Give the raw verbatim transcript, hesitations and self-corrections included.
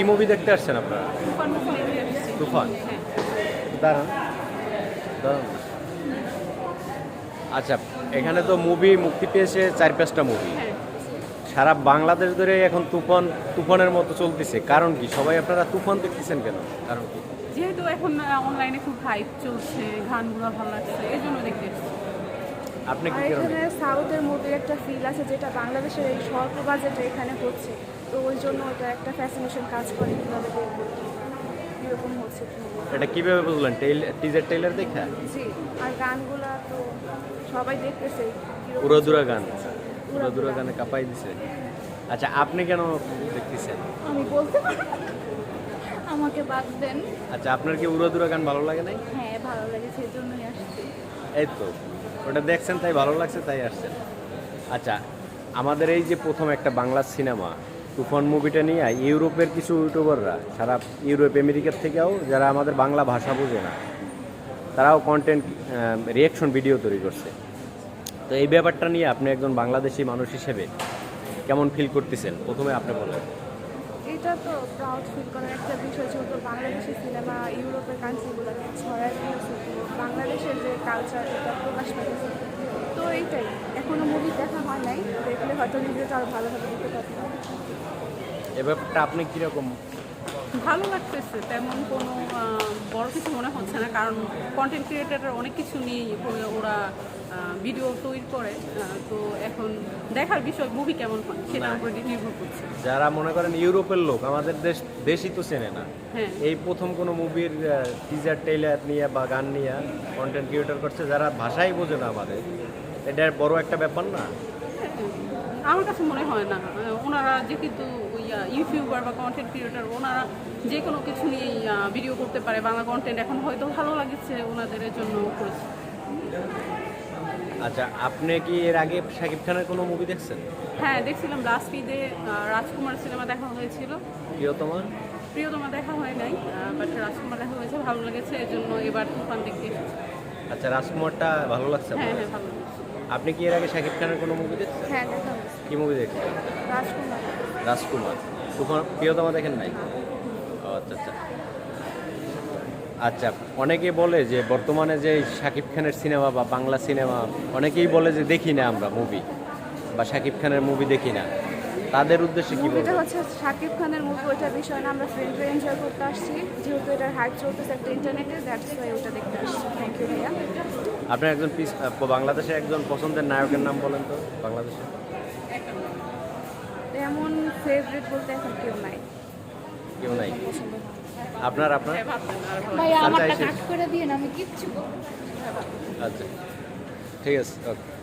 কি মুভি দেখতে আসছেন আপনারা? তুফান মুভি দেখতে এসেছি। তুফান? হ্যাঁ। দাঁড়ান দাঁড়ান। আচ্ছা, এখানে তো মুভি মুক্তি পেয়েছে চার পাঁচটা মুভি। হ্যাঁ। সারা বাংলাদেশ ধরে এখন তুফান তুফানের মতো চলতেছে, কারণ কি? সবাই আপনারা তুফান দেখতেছেন কেন? কারণ কি? যেহেতু এখন অনলাইনে খুব হাইপ চলছে, গানগুলো ভালো লাগছে, এই জন্য দেখতে এসেছি। আপনি কি আর কারণে? এখানে সাউথের মুভির একটা ফিল আছে যেটা বাংলাদেশের এই স্বল্প বাজেটে এখানে হচ্ছে, তো ওই জন্য ওটা একটা ফ্যাসিনেশন কাজ করে কীভাবে দেখবো এরকম হচ্ছে। এটা কিভাবে বুঝলেন? টিজার টেইলার দেখা? জি, আর গানগুলা তো সবাই দেখতেছে কিরকম উড়াদুরা গান, চলতেছে। উড়াদুরা গানে কাঁপাই দিছে। আচ্ছা, আপনি কেন দেখতেছেন? আমি বলতে পারি, আমাকে বাদ দেন। আচ্ছা, আপনার কি উড়াদুরা গান ভালো লাগে নাই? হ্যাঁ, ভালো লেগেছে, এই জন্যই আসছি। এই তো, ওটা দেখছেন তাই ভালো লাগছে তাই আসছেন। আচ্ছা, আমাদের এই যে প্রথম একটা বাংলা সিনেমা তুফান মুভিটা নিয়ে ইউরোপের কিছু ইউটিউবাররা, সারা ইউরোপ আমেরিকার থেকেও যারা আমাদের বাংলা ভাষা বোঝে না, তারাও কন্টেন্ট রিয়াকশন ভিডিও তৈরি করছে। তো এই ব্যাপারটা নিয়ে আপনি একজন বাংলাদেশি মানুষ হিসেবে কেমন ফিল করতেছেন? প্রথমে আপনি বলেন। এটা তো প্রাউড ফিল করার একটা বিষয়, যেহেতু বাংলাদেশি সিনেমা ইউরোপের কান্ট্রিগুলোকে ছড়ায় দিয়েছে, তো বাংলাদেশের যে কালচার এটা প্রকাশ পেয়েছে। তো এইটাই, এখনো মুভি দেখা হয় নাই, দেখলে হয়তো নিজেটা আরও ভালোভাবে দেখতে পারতাম। এ ব্যাপারটা আপনি কীরকম? ভালো লাগতেছে, তেমন কোনো আহ, বড় কিছু মনে হচ্ছে না, কারণ কন্টেন্ট ক্রিয়েটাররা অনেক কিছু নিয়ে ওরা ভিডিও তৈরি করে। আহ, তো এখন দেখার বিষয় মুভি কেমন হয় সেটার উপরে নির্ভর করছে। যারা মনে করেন ইউরোপের লোক, আমাদের দেশ দেশই তো চেনে না, হ্যাঁ। এই প্রথম কোনো মুভির টিজার টেইলার নিয়ে বা গান নিয়ে কন্টেন্ট ক্রিয়েটর করছে যারা ভাষাই বোঝে না আমাদের, এটা বড় একটা ব্যাপার না? আমার কাছে মনে হয় না। আহ, ওনারা যে কিন্তু ইউটিউবার বা কন্টেন্ট ক্রিয়েটার, ওনারা যে কোনো কিছু নিয়েই ভিডিও করতে পারে। বাংলা কন্টেন্ট এখন হয়তো ভালো লাগছে ওনাদের, জন্য করেছে। আচ্ছা, আপনি কি এর আগে শাকিব খানের কোনো মুভি দেখছেন? হ্যাঁ, দেখছিলাম লাস্ট ঈদে রাজকুমার সিনেমা দেখা হয়েছিল। প্রিয়তমা? প্রিয়তমা দেখা হয় নাই, বাট রাজকুমার দেখা হয়েছে, ভালো লেগেছে, এই জন্য এবার তুফান দেখতে এসেছি। আচ্ছা, রাজকুমারটা ভালো লাগছে হ্যাঁ আপনার? হ্যাঁ, ভালো লেগেছে। আপনি কি এর আগে শাকিব খানের কোনো মুভি দেখছেন? হ্যাঁ, দেখা হয়েছে। কি মুভি দেখছেন? রাজকুমার। রাজকুমার। তুফান প্রিয়তমা দেখেন নাই? ও আচ্ছা আচ্ছা আচ্ছা অনেকে বলে যে বর্তমানে যে শাকিব খানের সিনেমা বা বাংলা সিনেমা, অনেকেই বলে যে দেখি না আমরা মুভি বা শাকিব খানের মুভি দেখি না, তাদের উদ্দেশ্যে কি মুভিটা বলবেন? হচ্ছে শাকিব খানের মুভি, ওইটা বিষয় না, আমরা ফ্রেন্ডরা এনজয় করতে আসছি, যেহেতু এটার হাইপ চলতেছে একটা ইন্টারনেটে, দ্যাটস ওয়াই ওটা দেখতে আসছি। থ্যাংক ইউ ভাইয়া। আপনার একজন পিস বাংলাদেশের একজন পছন্দের নায়কের নাম বলেন তো বাংলাদেশে। তেমন ফেভারিট বলতে এখন কেউ নাই। কেউ নাই? আপনার আপনার হ্যাঁ, ভাবছেন আর ভালো ভাই আচ্ছা, আমারটা এসে- কাট করে দিয়ে না, আমি কিচ্ছু করবো না। আচ্ছা, ঠিক আছে, ওকে।